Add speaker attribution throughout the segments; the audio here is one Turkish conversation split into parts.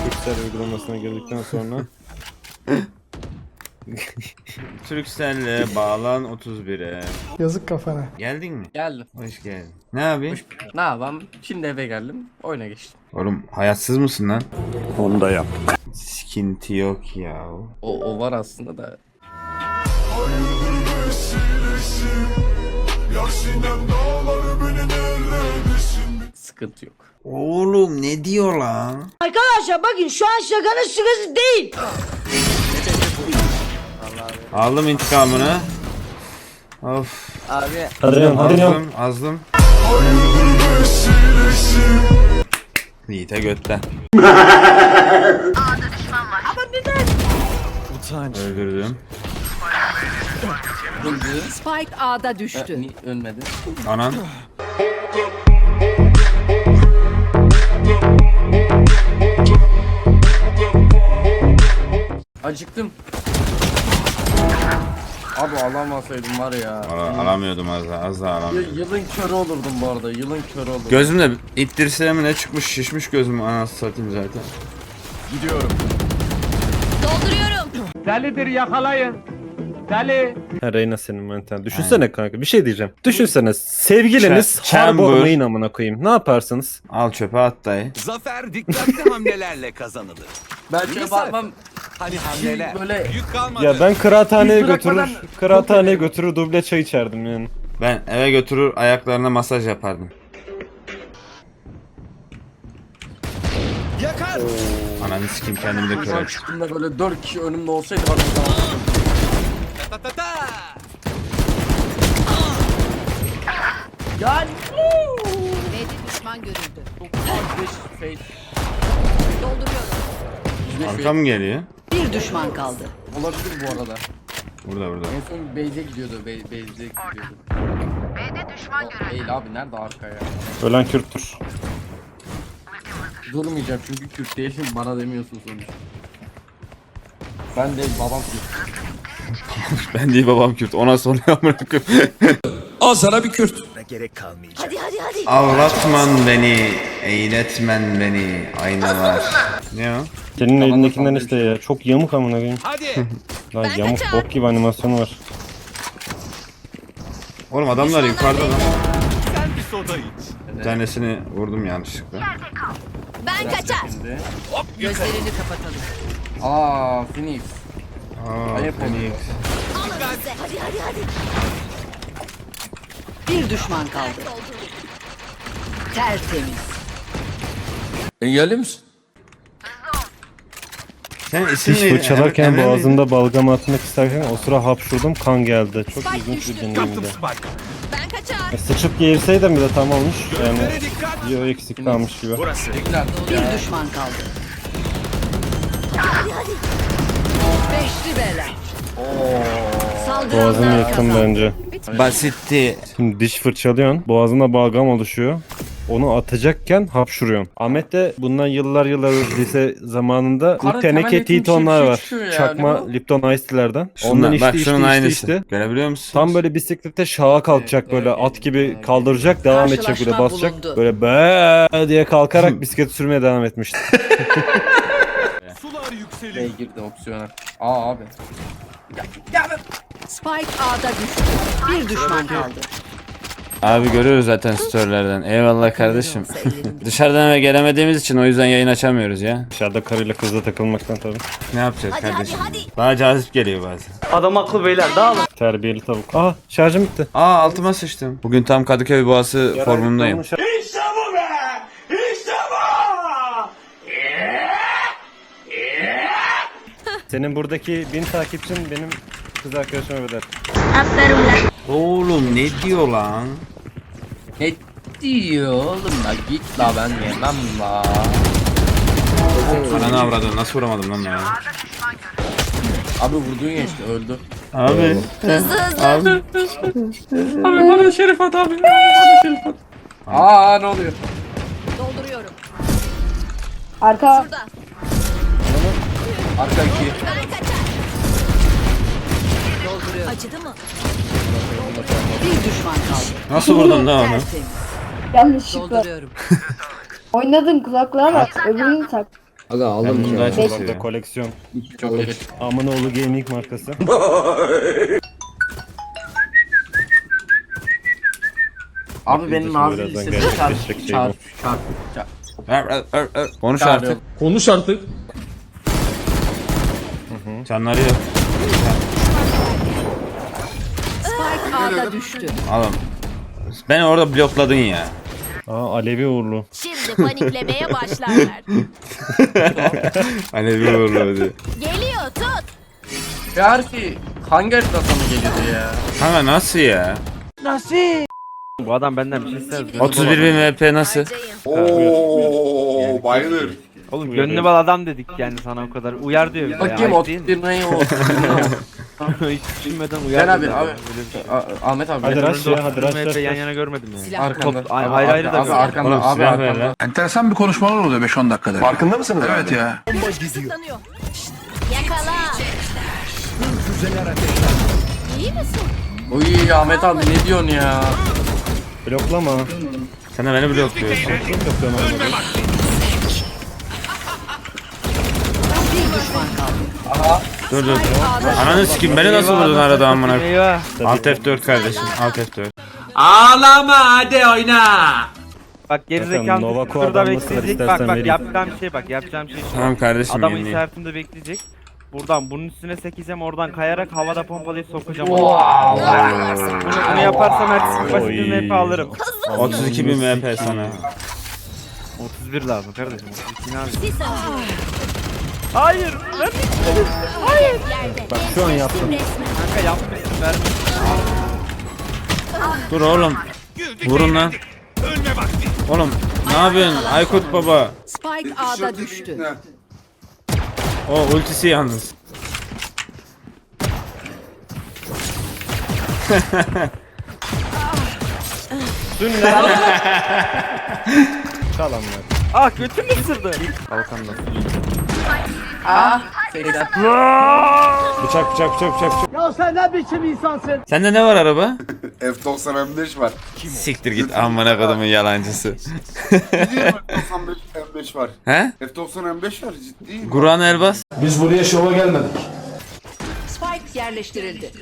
Speaker 1: Turkcell uygulamasına girdikten sonra.
Speaker 2: Turkcell'le bağlan 31'e.
Speaker 3: Yazık kafana.
Speaker 2: Geldin mi?
Speaker 4: Geldim.
Speaker 2: Hoş geldin. Ne yapayım?
Speaker 4: Ne yapayım? Şimdi eve geldim. Oyuna geçtim.
Speaker 2: Oğlum hayatsız mısın lan?
Speaker 1: Onu da yap.
Speaker 2: Sıkıntı yok ya.
Speaker 4: O var aslında da. Sıkıntı yok.
Speaker 2: Oğlum ne diyor lan?
Speaker 5: Arkadaşlar bakın şu an şakanın sırası değil.
Speaker 2: Aldım intikamını. Of.
Speaker 4: Abi
Speaker 1: Hadi lan.
Speaker 2: Azdım. Yiğit'e götten. Öldürdüm.
Speaker 4: öldü.
Speaker 5: Spike A'da düştü.
Speaker 4: Ölmedi.
Speaker 2: Anan.
Speaker 4: Acıktım. Abi alamasaydım var ya.
Speaker 2: Alamıyordum az daha alamıyordum.
Speaker 4: Yılın körü olurdum bu arada. Yılın körü olurdum.
Speaker 2: Gözümde ittirseğim ne çıkmış, şişmiş gözüm, anasını satayım zaten.
Speaker 5: Dolduruyorum.
Speaker 1: Ha Reyna senin maniten. Düşünsene kanka bir şey diyeceğim. Düşünsene sevgiliniz
Speaker 2: Chamber.
Speaker 1: Harbor Main amına koyayım. Ne yaparsınız?
Speaker 2: Al çöpe at dayı.
Speaker 6: Zafer dikkatli hamlelerle kazanılır.
Speaker 4: Ben şöyle bakmam.
Speaker 6: Hani hamleler.
Speaker 4: Böyle
Speaker 6: Yük kalmadı.
Speaker 1: Ya ben kıraathaneye
Speaker 4: Biz bırakmadan
Speaker 1: kıraathaneye götürür duble çay içerdim yani.
Speaker 2: Ben eve götürür ayaklarına masaj yapardım.
Speaker 6: Yakar.
Speaker 2: Ananı sikeyim kendimi de kör
Speaker 4: Şu an
Speaker 2: et.
Speaker 4: çıktığımda böyle 4 kişi önümde olsaydı bana tamam.
Speaker 6: Ta ta ta.
Speaker 4: Gel.
Speaker 5: B'de düşman görüldü.
Speaker 4: 5 face.
Speaker 5: Dolduruyorum.
Speaker 2: Arkam mı geliyor?
Speaker 5: Bir düşman kaldı.
Speaker 4: Olabilir bu arada.
Speaker 2: Burada.
Speaker 4: En son base'e gidiyordu. Base'e gidiyordu. B'de düşman görüldü. Değil abi nerede arka ya?
Speaker 1: Ölen Kürttür.
Speaker 4: Durmayacağım çünkü Kürt değilim bana demiyorsun sonuçta. Ben de babam Kürt.
Speaker 2: Ben değil babam Kürt. Ona soruyor amına koyayım.
Speaker 6: Al sana bir Kürt.
Speaker 5: Hadi hadi hadi.
Speaker 2: Avlatman beni, eğletmen beni, aynalar. Ne o?
Speaker 1: Senin
Speaker 4: Tamam,
Speaker 1: elindekinden
Speaker 4: tamam,
Speaker 1: işte ya. Çok yamuk amına koyayım.
Speaker 6: Hadi.
Speaker 1: Lan yamuk bok gibi animasyonu var.
Speaker 2: Oğlum adamlar yukarıda lan.
Speaker 6: Sen bir soda iç.
Speaker 2: Bir tanesini vurdum yanlışlıkla.
Speaker 5: Ben kaçar.
Speaker 4: Şimdi.
Speaker 5: Gözlerini kapatalım.
Speaker 4: Aa Phoenix. Ayıp
Speaker 2: Phoenix.
Speaker 5: Alın size. Hadi hadi hadi. Bir düşman kaldı. Tertemiz.
Speaker 4: Engelli misin?
Speaker 2: Sen isim
Speaker 1: Diş
Speaker 2: neydi?
Speaker 1: fırçalarken
Speaker 2: Emre miydi?
Speaker 1: boğazımda balgam atmak isterken o sıra hapşurdum kan geldi. Çok ilginç bir deneyimdi.
Speaker 6: Spike.
Speaker 5: Ben kaçar.
Speaker 1: Sıçıp geğirseydim bile tam olmuş. Yani
Speaker 6: Gözlere dikkat.
Speaker 1: bir o eksik kalmış gibi.
Speaker 6: Burası.
Speaker 4: Tekrar.
Speaker 5: Bir düşman kaldı. Hadi hadi. Beşli bela.
Speaker 1: Boğazım
Speaker 5: Saldıranlar
Speaker 1: yakın
Speaker 5: kazandı.
Speaker 1: bence.
Speaker 2: Basitti.
Speaker 1: Şimdi diş fırçalıyorsun. Boğazında balgam oluşuyor. Onu atacakken hapşuruyorsun. Ahmet de bundan yıllar lise zamanında
Speaker 4: Karı
Speaker 1: bu teneke
Speaker 4: temel eğitim
Speaker 1: T-tonlar
Speaker 4: şey
Speaker 1: var.
Speaker 4: çıkıyor ya,
Speaker 1: Çakma
Speaker 4: ne bu?
Speaker 1: Lipton Ice Tea'lerden. Ondan
Speaker 2: Şundan, bak
Speaker 1: içti
Speaker 2: şunun aynısı.
Speaker 1: içti.
Speaker 2: Görebiliyor musun?
Speaker 1: Tam böyle bisiklete şaha kalkacak böyle at gibi kaldıracak devam edecek böyle
Speaker 5: Karşılaşma
Speaker 1: basacak.
Speaker 5: bulundu.
Speaker 1: Böyle be diye kalkarak bisiklet sürmeye devam etmişti.
Speaker 6: Sular yükselir.
Speaker 4: Bey girdi opsiyona. Aa abi.
Speaker 5: Spike A'da düştü. Bir düşman kaldı.
Speaker 2: Abi görüyoruz zaten storylerden. Eyvallah kardeşim. Dışarıdan eve gelemediğimiz için o yüzden yayın açamıyoruz ya.
Speaker 1: Dışarıda karıyla kızla takılmaktan tabii.
Speaker 2: Ne yapacağız
Speaker 5: Hadi,
Speaker 2: kardeşim?
Speaker 5: hadi, hadi.
Speaker 2: Daha cazip geliyor bazen.
Speaker 7: Adam haklı beyler dağılın.
Speaker 1: Terbiyeli tavuk. Aha şarjım bitti.
Speaker 2: Aa altıma sıçtım. Bugün tam Kadıköy Boğası formundayım.
Speaker 1: Senin buradaki 1000 takipçin benim kız arkadaşıma bedel.
Speaker 2: Oğlum ne diyor lan?
Speaker 4: Ne diyor oğlum la git la ben yemem la.
Speaker 2: Ananı avradın nasıl vuramadım lan ya?
Speaker 4: Abi vurduğun geçti öldü.
Speaker 2: Abi. Abi.
Speaker 4: Abi bana şerif at abi. Bana şerif at. Aa ne oluyor?
Speaker 5: Dolduruyorum.
Speaker 8: Arka
Speaker 5: Şurada.
Speaker 4: Arka 2.
Speaker 5: Ben kaçar. Dolduruyorum. Acıdı mı? Bir düşman kaldı.
Speaker 2: Nasıl vurdun lan onu?
Speaker 5: Tertemiz.
Speaker 8: yanlışlıkla.
Speaker 5: Dolduruyorum.
Speaker 8: Oynadın kulaklığa bak. Öbürünü tak.
Speaker 4: Aga
Speaker 2: Ben
Speaker 4: aldım
Speaker 2: bunu
Speaker 4: ki.
Speaker 2: daha
Speaker 4: ya.
Speaker 2: çok
Speaker 1: Burada
Speaker 2: seviyorum.
Speaker 1: koleksiyon.
Speaker 4: Çok iyi.
Speaker 1: Amanoğlu Gaming markası.
Speaker 4: Abi benim
Speaker 1: Birazdan
Speaker 4: nazil lisesi
Speaker 1: gerçekleşecek şey bu.
Speaker 4: çarp.
Speaker 2: Konuş artık.
Speaker 3: Konuş artık.
Speaker 2: Canları yok.
Speaker 5: Spike A'da düştü.
Speaker 2: Oğlum. Beni orada blokladın ya.
Speaker 1: Aa Alevi uğurlu.
Speaker 5: Şimdi paniklemeye başlarlar.
Speaker 2: Hani bir vurdu.
Speaker 5: Geliyor tut.
Speaker 4: Gerçi hangi haritada sana geliyordu ya?
Speaker 2: Kanka nasıl ya?
Speaker 7: Bu adam benden bir şey ister.
Speaker 2: 31 bin VP nasıl?
Speaker 5: Harcayın.
Speaker 6: Oo, bayılır.
Speaker 7: Oğlum gönlü bal adam dedik yani sana o kadar. Uyar diyor bir de.
Speaker 4: Bakayım
Speaker 7: Ayıp değil mi?
Speaker 4: 31 neyi o?
Speaker 7: Hiç düşünmeden uyar.
Speaker 4: Gel abi
Speaker 7: diyor.
Speaker 4: abi.
Speaker 7: Böyle bir şey.
Speaker 4: Ahmet abi.
Speaker 1: Hadi
Speaker 4: gel.
Speaker 1: rush ya, hadi rush,
Speaker 7: MHP
Speaker 1: rush,
Speaker 7: yan
Speaker 1: rush.
Speaker 7: yana görmedim yani.
Speaker 5: Silah
Speaker 4: Arkanda.
Speaker 7: Top- ayrı ayrı da
Speaker 4: abi,
Speaker 7: gör.
Speaker 4: arkanda.
Speaker 2: Oğlum
Speaker 4: Abi
Speaker 2: silah ver
Speaker 4: arkanda.
Speaker 2: lan.
Speaker 9: Enteresan bir konuşmalar oluyor 5-10 dakikada. Farkında mısınız? Evet ya.
Speaker 5: Kısıtlanıyor. Yakala. İyi misin?
Speaker 4: Uy Ahmet abi ne diyorsun ya?
Speaker 1: Bloklama.
Speaker 2: Sen de beni blokluyorsun.
Speaker 1: Kim blokluyor lan bunu?
Speaker 2: Dur dur. Ananı sikeyim beni nasıl vurdun arada amına?
Speaker 7: Eyvah.
Speaker 2: Alt F4 kardeşim. Alt F4.
Speaker 7: Bak gerizekalı
Speaker 1: Nova
Speaker 7: şurada
Speaker 1: Core'dan nasıl
Speaker 7: bekleyecek.
Speaker 1: istersen
Speaker 7: Bak
Speaker 1: vereyim.
Speaker 7: yapacağım şey. şu.
Speaker 2: Tamam kardeşim
Speaker 7: Adamın
Speaker 2: yeniyim.
Speaker 7: işaretinde bekleyecek. Buradan bunun üstüne sekeceğim, oradan kayarak havada pompalayıp sokacağım. Bunu yaparsam her basitini hep alırım.
Speaker 2: 32 bin VP sana.
Speaker 7: 31 lazım kardeşim. 32 ne abi?
Speaker 5: Sis atıyor.
Speaker 7: Hayır. Lan
Speaker 5: Yerde.
Speaker 1: Bak şu an yaptım.
Speaker 5: Resmen.
Speaker 7: kanka yapmışsın verme.
Speaker 2: Dur oğlum. Vurun lan.
Speaker 6: Ölme vakti.
Speaker 2: Oğlum ne yapıyorsun Aykut baba?
Speaker 5: Spike A'da düştü.
Speaker 2: O ultisi yalnız.
Speaker 1: Çalan
Speaker 7: Ah götüm ısırdı.
Speaker 1: Balkanda.
Speaker 2: Bıçak bıçak bıçak bıçak. Ya sen ne biçim insansın? Sende ne var araba?
Speaker 6: F90 M5 var.
Speaker 2: Siktir git amına kodumun yalancısı.
Speaker 6: F95 M5 var.
Speaker 2: He?
Speaker 6: F90 M5 var ciddi.
Speaker 2: Kur'an Elbas.
Speaker 3: Biz buraya şova gelmedik.
Speaker 5: Spike yerleştirildi.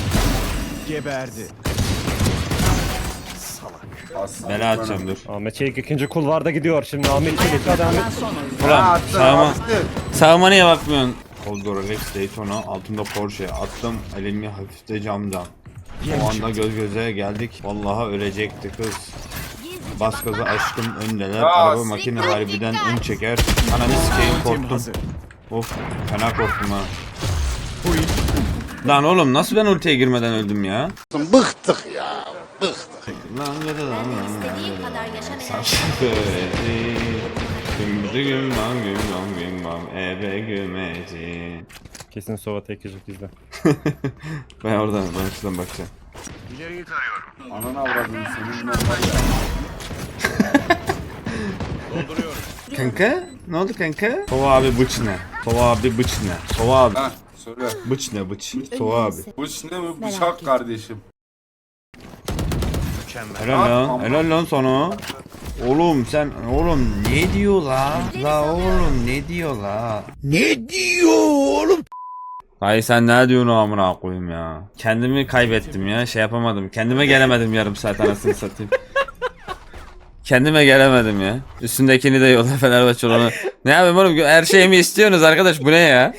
Speaker 2: Bela atacağım dur.
Speaker 1: Ahmet Çelik ikinci kulvarda gidiyor. Şimdi Ahmet Çelik hadi Ahmet.
Speaker 2: Ulan sağıma. Sağıma niye bakmıyorsun? Coldor Rex Daytona altında Porsche attım elimi hafifte camdan. O anda göz göze geldik. Vallahi ölecekti kız. Bas gaza aşkım öndeler. Araba makine harbiden ön çeker. Ananı sikeyim korktum. Of fena korktum ha. Lan oğlum nasıl ben ultiye girmeden öldüm ya?
Speaker 6: Bıktık ya.
Speaker 2: Lan
Speaker 5: İstediğin kadar yaşa.
Speaker 1: Kesin Sova tek yiyecek bizde.
Speaker 2: Ben oradan şuradan bakacağım.
Speaker 6: Ananı avradın senin.
Speaker 2: Kanka? Ne oldu kanka? Tova abi bıç ne? Tova abi bıç ne? Tova abi
Speaker 6: Ha söyle.
Speaker 2: bıç ne bıç? Tova abi.
Speaker 6: Bıç ne mi? Bıçak kardeşim.
Speaker 2: Helal lan. Helal lan sana. Oğlum sen oğlum ne diyor la? La oğlum ne diyor la? Ne diyor oğlum? Hayır sen ne diyorsun amına koyayım ya. Kendimi kaybettim ya şey yapamadım. Kendime gelemedim yarım saat anasını satayım. Kendime gelemedim ya. Üstündekini de yolla Fenerbahçe olanı. Ne yapayım oğlum her şeyimi istiyorsunuz arkadaş bu ne ya?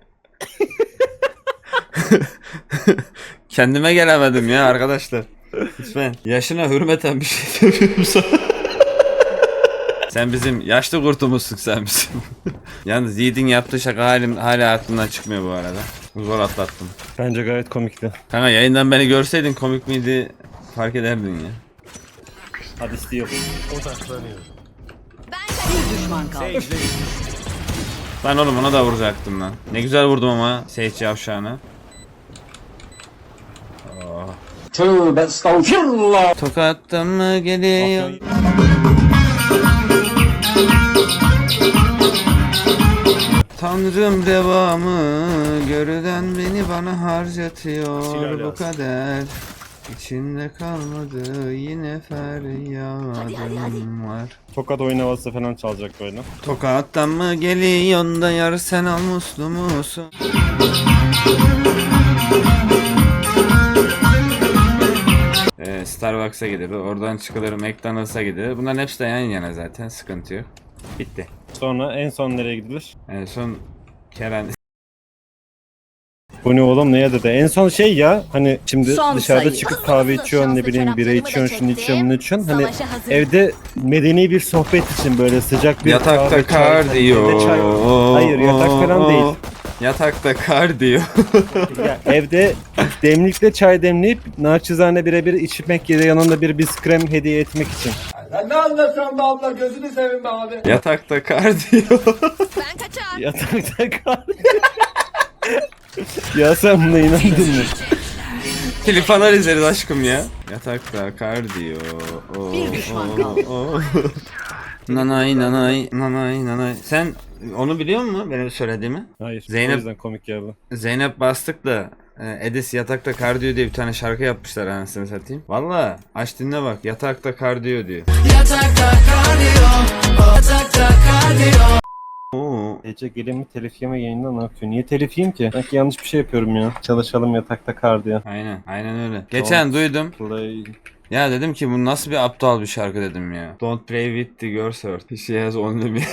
Speaker 2: Kendime gelemedim ya arkadaşlar. Lütfen. Yaşına hürmeten bir şey söylüyorum sana. Sen bizim yaşlı kurtumuzsun sen bizim. Yalnız Yiğit'in yaptığı şaka hala aklımdan çıkmıyor bu arada. Zor atlattım.
Speaker 1: Bence gayet komikti.
Speaker 2: Kanka yayından beni görseydin komik miydi fark ederdin ya.
Speaker 1: Hadi istiyor.
Speaker 5: Bir düşman kaldı.
Speaker 2: Ben oğlum ona da vuracaktım lan. Ne güzel vurdum ama Seyit Yavşağı'na.
Speaker 4: Tövbe estağfirullah.
Speaker 2: Tokattan mı geliyor? Tanrım devamı görülen beni bana harcatıyor bu kader. İçimde kalmadı yine feryadım var.
Speaker 1: Tokat oyun havası falan çalacak böyle.
Speaker 2: Tokat'tan mı geliyorsun da yar sen al muslu musun? Starbucks'a gidilir, oradan çıkılır McDonald's'a gidilir. Bunların hepsi de yan yana zaten, sıkıntı yok. Bitti.
Speaker 1: Sonra en son nereye gidilir?
Speaker 2: En son Kerem.
Speaker 1: Bu ne oğlum neye dedi? En son şey ya hani şimdi
Speaker 5: Son
Speaker 1: dışarıda
Speaker 5: sayı.
Speaker 1: çıkıp kahve içiyorsun ne bileyim bira içiyorsun şunu içiyorsun bunu içiyorsun. Hani
Speaker 5: Savaşa hazır.
Speaker 1: evde medeni bir sohbet için böyle sıcak bir
Speaker 2: Yatakta
Speaker 1: kahve, çay,
Speaker 2: kar
Speaker 1: hani
Speaker 2: diyor.
Speaker 1: evde çay- Hayır yatak falan değil.
Speaker 2: Yatakta kar diyor.
Speaker 1: Ya, evde demlikle çay demleyip naçizane birebir içmek ya da yanında bir biskrem hediye etmek için.
Speaker 3: Sen ne anlatıyorsun be abla gözünü seveyim be abi.
Speaker 2: Yatakta kar diyor.
Speaker 5: Ben kaçar.
Speaker 1: Yatakta kar. Ya sen buna inandın mı?
Speaker 2: Klip falan izleriz aşkım ya. Yatakta kar diyor.
Speaker 5: Bir düşman kaldı.
Speaker 2: Nanay nanay nanay nanay. Sen onu biliyor musun benim söylediğimi?
Speaker 1: Hayır.
Speaker 2: Zeynep-
Speaker 1: O yüzden komik geldi.
Speaker 2: Zeynep Bastık'la Edis Yatakta Kar diyor diye bir tane şarkı yapmışlar anasını satayım. Valla aç dinle bak, yatakta kar diyor diyor. Oo.
Speaker 1: Ece gelin mi telif yeme yayında ne yapıyor? Niye telif yiyeyim ki? Belki yanlış bir şey yapıyorum ya. Çalışalım yatakta kar diye.
Speaker 2: Aynen öyle. Geçen duydum.
Speaker 1: Play.
Speaker 2: Ya dedim ki bu nasıl bir aptal bir şarkı dedim ya. Don't play with the girl's heart. She has only me.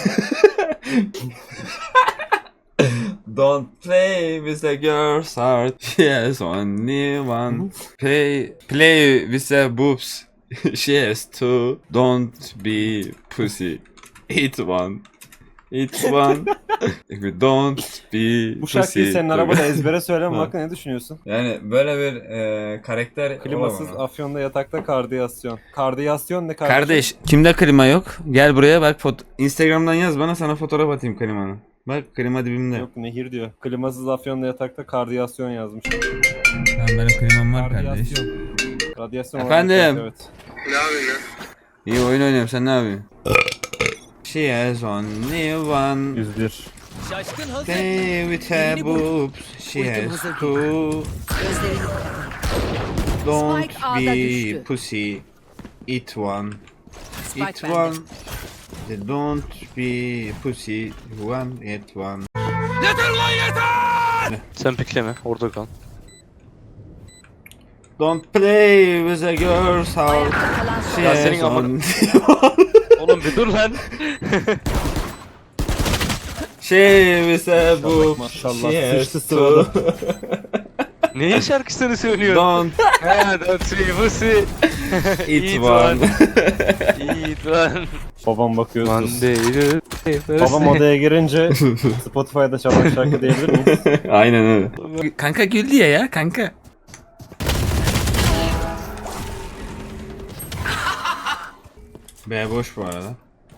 Speaker 2: Don't play with the girl's heart. She has only one. Play with the boobs. She has two. Don't be pussy. Eat one. Eat one. Don't be
Speaker 1: Bu şarkıyı
Speaker 2: pussy.
Speaker 1: senin arabada ezbere söyleme hakkında ne düşünüyorsun?
Speaker 2: Yani böyle bir karakter
Speaker 1: Klimasız
Speaker 2: olamam.
Speaker 1: Afyon'da yatakta kardiyasyon. Kardiyasyon ne kardeşim?
Speaker 2: Kardeş, kimde klima yok? Gel buraya bak, Instagram'dan yaz bana, sana fotoğraf atayım klimanın. Bak klima dibimde.
Speaker 1: Yok nehir diyor. Klimasız Afyon'da yatakta kardiyasyon yazmış.
Speaker 2: Tamam, benim klimam var kardeş.
Speaker 1: Kardiyasyon. Radyasyon
Speaker 2: Efendim?
Speaker 1: olarak yok, evet.
Speaker 2: İyi oyun oynuyorum, sen ne yapıyorsun? She has only one.
Speaker 1: 101.
Speaker 2: Play with her boobs. She has two.
Speaker 5: Gözlerini
Speaker 2: Don't
Speaker 5: Spike A'da
Speaker 2: be
Speaker 5: düştü.
Speaker 2: pussy. Eat one.
Speaker 5: Spike
Speaker 2: Eat
Speaker 5: bende.
Speaker 2: one. Don't be pussy. One, eat one.
Speaker 10: Sen pikleme orada kal.
Speaker 2: Don't play with a girl's heart.
Speaker 5: Ayakta kalan son.
Speaker 2: She
Speaker 10: Ya
Speaker 2: has
Speaker 10: senin amına-
Speaker 2: only
Speaker 10: Oğlum bir dur lan.
Speaker 2: She with a boob.
Speaker 1: Maşallah,
Speaker 2: She has
Speaker 1: sıçtı
Speaker 2: two.
Speaker 1: sırada.
Speaker 10: Neyin şarkısını söylüyorsun?
Speaker 2: Don't
Speaker 10: He don't see pussy.
Speaker 2: eat one.
Speaker 10: Eat one.
Speaker 1: Babam bakıyor. sus.
Speaker 10: Monday.
Speaker 1: Babam odaya girince Spotify'da çalan şarkı diyebilir miyiz?
Speaker 2: Aynen öyle. Kanka güldü ya kanka. B boş bu arada.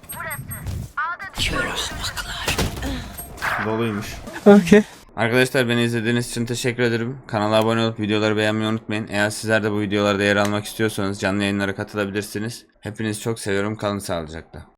Speaker 2: Doluymuş.
Speaker 10: Okay.
Speaker 2: Arkadaşlar, beni izlediğiniz için teşekkür ederim. Kanala abone olup videoları beğenmeyi unutmayın. Eğer sizler de bu videolarda yer almak istiyorsanız canlı yayınlara katılabilirsiniz. Hepinizi çok seviyorum. Kalın sağlıcakla.